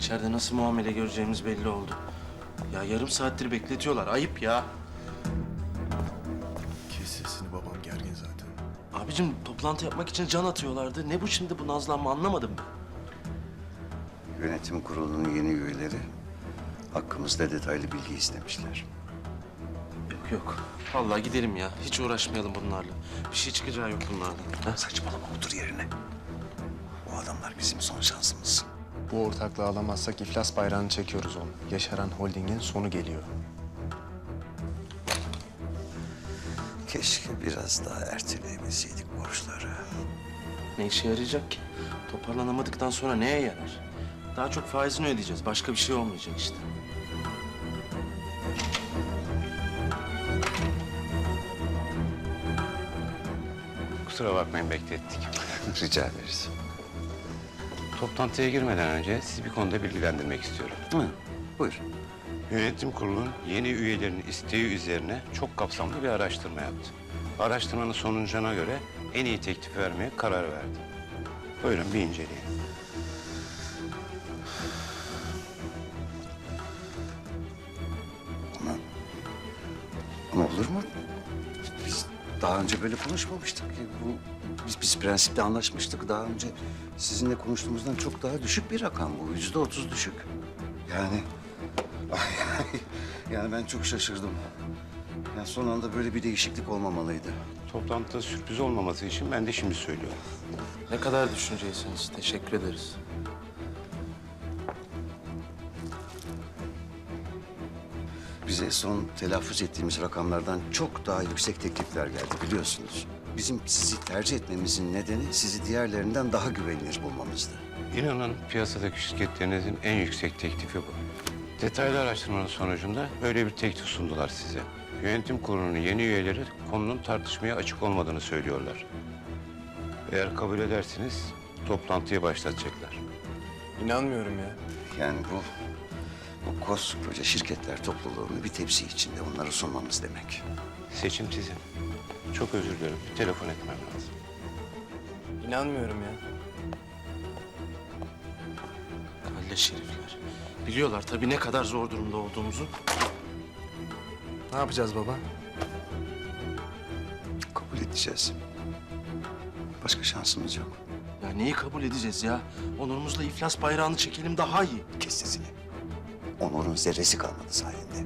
İçeride nasıl muamele göreceğimiz belli oldu. Ya yarım saattir bekletiyorlar. Ayıp ya. Kes sesini, babam gergin zaten. Abicim toplantı yapmak için can atıyorlardı. Ne bu şimdi bu nazlanma anlamadım ben. Yönetim kurulunun yeni üyeleri hakkımızda detaylı bilgi istemişler. Yok yok. Vallahi gidelim ya. Hiç uğraşmayalım bunlarla. Bir şey çıkacağı yok bunlardan. Ha? Saçmalama, otur yerine. Bu adamlar bizim son şansımız. Bu ortaklığı alamazsak iflas bayrağını çekiyoruz onu. Yaşaran Holding'in sonu geliyor. Keşke biraz daha erteleyebilseydik borçları. Ne işe yarayacak ki? Toparlanamadıktan sonra neye yarar? Daha çok faizini ödeyeceğiz. Başka bir şey olmayacak işte. Kusura bakmayın beklettik. Rica ederiz. Toplantıya girmeden önce sizi bir konuda bilgilendirmek istiyorum. Hı, buyur. Yönetim kurulunun yeni üyelerinin isteği üzerine çok kapsamlı bir araştırma yaptı. Araştırmanın sonucuna göre en iyi teklifi vermeye karar verdi. Buyurun bir inceleyin. Ama olur mu? Biz daha önce böyle konuşmamıştık ki. Biz prensipte anlaşmıştık. Daha önce sizinle konuştuğumuzdan çok daha düşük bir rakam bu. %30 düşük. Yani... yani ben çok şaşırdım. Yani son anda böyle bir değişiklik olmamalıydı. Toplantıda sürpriz olmaması için ben de şimdi söylüyorum. Ne kadar düşünceysiniz. Teşekkür ederiz. Bize son telaffuz ettiğimiz rakamlardan çok daha yüksek teklifler geldi biliyorsunuz. Bizim sizi tercih etmemizin nedeni sizi diğerlerinden daha güvenilir bulmamızdı. İnanın piyasadaki şirketlerinizin en yüksek teklifi bu. Detaylı araştırmanın sonucunda böyle bir teklif sundular size. Yönetim kurulunun yeni üyeleri konunun tartışmaya açık olmadığını söylüyorlar. Eğer kabul ederseniz toplantıyı başlatacaklar. İnanmıyorum ya. Yani bu koskoca şirketler topluluğunu bir tepsi içinde onlara sunmamız demek. Seçim sizin. Çok özür dilerim. Bir telefon etmem lazım. İnanmıyorum ya. Kalleş herifler. Biliyorlar tabii ne kadar zor durumda olduğumuzu. Ne yapacağız baba? Kabul edeceğiz. Başka şansımız yok. Ya neyi kabul edeceğiz ya? Onurumuzla iflas bayrağını çekelim daha iyi. Kes sesini. Onur'un zerresi kalmadı sayende.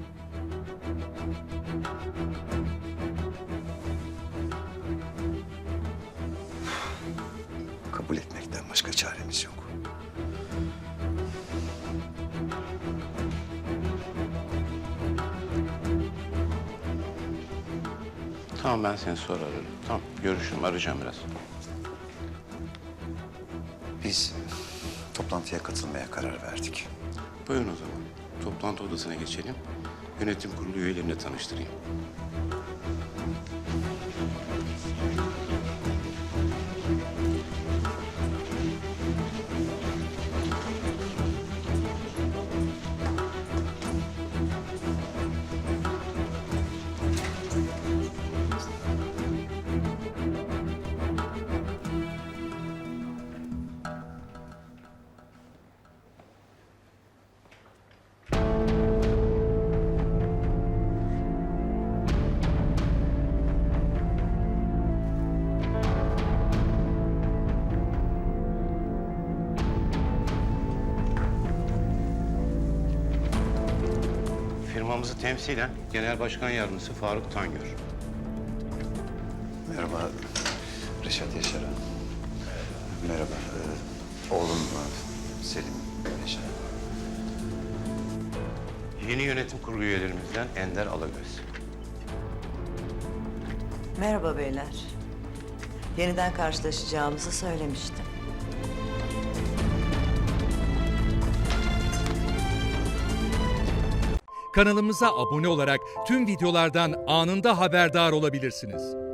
Kabul etmekten başka çaremiz yok. Tamam ben seni sonra ararım. Tamam görüşürüm. Arayacağım biraz. Biz toplantıya katılmaya karar verdik. Buyurun o zaman. Toplantı odasına geçelim. Yönetim kurulu üyelerini tanıştırayım. Firmamızı temsilen Genel Başkan Yardımcısı Faruk Tangör. Merhaba Reşat Yaşar'a. Merhaba. Oğlum Selim Yaşar. Yeni yönetim kurulu üyelerimizden Ender Alagöz. Merhaba beyler. Yeniden karşılaşacağımızı söylemiştim. Kanalımıza abone olarak tüm videolardan anında haberdar olabilirsiniz.